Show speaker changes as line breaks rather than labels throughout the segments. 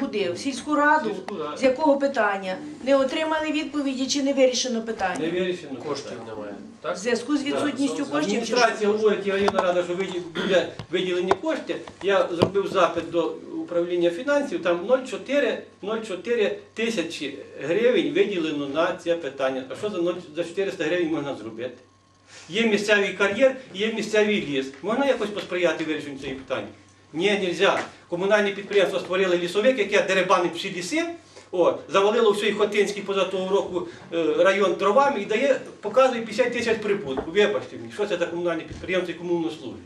куди? В сільську раду? З якого питання? Не отримали відповіді чи не вирішено питання?
Не вирішено.
Коштів немає.
В зв'язку з відсутністю коштів? чи що?
Адміністрація говорить, і районна рада, що буде виділені кошти. Я зробив запит до управління фінансів, там 0,4 тисячі гривень виділено на це питання. А що за 400 гривень можна зробити? Є місцевий кар'єр, є місцевий ліс. Можна якось посприяти вирішенню цього питання? Ні, не можна. Комунальні підприємства створили лісовик, яке дерибанить всі ліси, завалило всій Хотинський поза того року район дровами і дає, показує 50 тисяч прибутку. Вибачте мені, що це за комунальні підприємства і кому воно служить?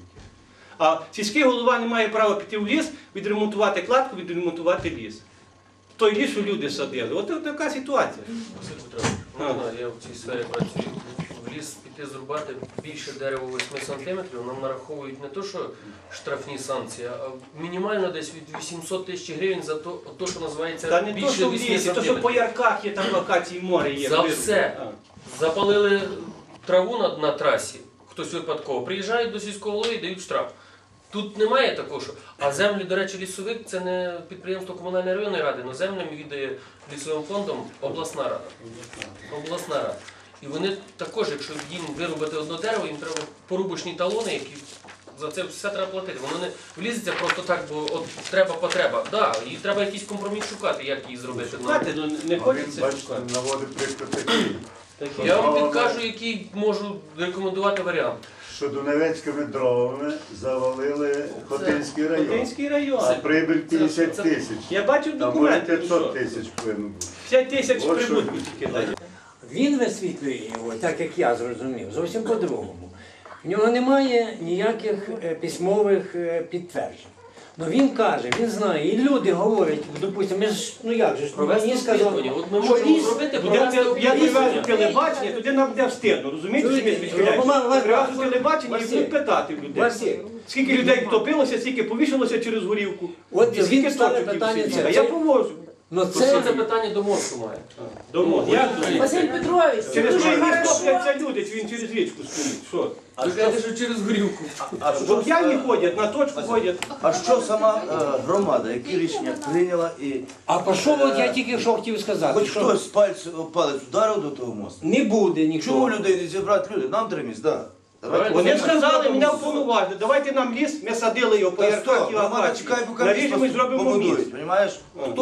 А сільський голова не має права піти в ліс, відремонтувати кладку, відремонтувати ліс. Той ліс, що люди садили. От така ситуація.
Василь Петрович, можна, я в цій сфері працюю. В ліс піти зрубати більше дерева 8 сантиметрів, нам нараховують не то, що штрафні санкції, а мінімально десь від 800 тисяч гривень за то, що називається
Та не то,
більше
що в
8
лісі, то, що
сантиметрів.
по ярках є там локації море є.
За все. Запалили траву на трасі, хтось випадково, приїжджають до сільського голови і дають штраф. Тут немає такого, що... А землі, до речі, лісовик – це не підприємство комунальної районної ради, але землями віддає лісовим фондом обласна рада. Обласна рада. І вони також, якщо їм вирубати одне дерево, їм треба порубочні талони, які за це все треба платити. Воно не влізеться просто так, бо от треба потреба. Да, і треба якийсь компроміс шукати, як її зробити.
Шукати, ну не хочеться шукати.
Наводить приклад такий.
Я вам підкажу, який можу рекомендувати варіант.
Що Дуневецькими дровами завалили Хотинський район.
Хотинський район.
А прибиль 50 тисяч.
Я бачив
Там може
документи.
500 тисяч повинно бути.
5 тисяч
Ось
прибутку
що.
тільки дає.
Він висвітлює його, так як я зрозумів, зовсім по-другому. В нього немає ніяких письмових підтверджень. Ну він каже, він знає, і люди говорять, допустимо, ми ж, ну як же ж, мені сказали,
От ми
що
можемо
ліс,
зробити,
Я
провести
привезу
опитування.
телебачення, туди нам буде встидно, розумієте?
Чуєте?
що ми відхиляємо?
Василь,
Привезу телебачення і
Василь,
будуть питати в людей.
Василь.
Скільки людей втопилося, скільки повішалося через горівку.
От
І скільки
він ставить
точок
питання
всі.
це.
А я повожу.
ну
Це
це
питання до мозку має.
Домо.
Василь Петрович, це
Через
дуже
річку
хорошо.
топляться люди, чи він через річку стоїть. Що?
Ви кажете, що через горілку.
Бо п'яні ходять, на точку ходять.
А що сама громада, які рішення прийняла і
А пішов, от я тільки що хотів сказати,
хоч
що
хтось палець ударив до того мосту?
не буде
Чому
нічого.
людей не зібрати люди? Нам треба місць, так.
Вони сказали, мене вповноважили, давайте нам ліс, ми садили його по ярках і
Громада
акації.
чекає, поки
Наріжемо і зробимо міст.
побудують, розумієш?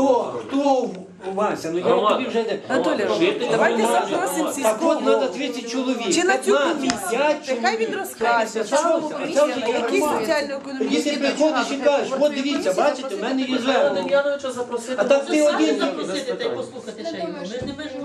Хто, Вася, ну я
Громада.
тобі вже...
Анатолій,
Жителі
давайте
громади.
запросимо
Так
сільського
от треба
голову.
30 чоловік.
Чи на цю
15,
комісію?
5
Нехай він
чоловік.
розкаже,
Це
чому
все,
комісія,
це вже
на
є
які
громада.
соціально-економічні
Тоді ти приходиш і кажеш, от дивіться, бачите, в мене є
Івана
звернення.
Дем'яновича запросити.
А так ти один
запросити та й послухати ще його. Ми ж не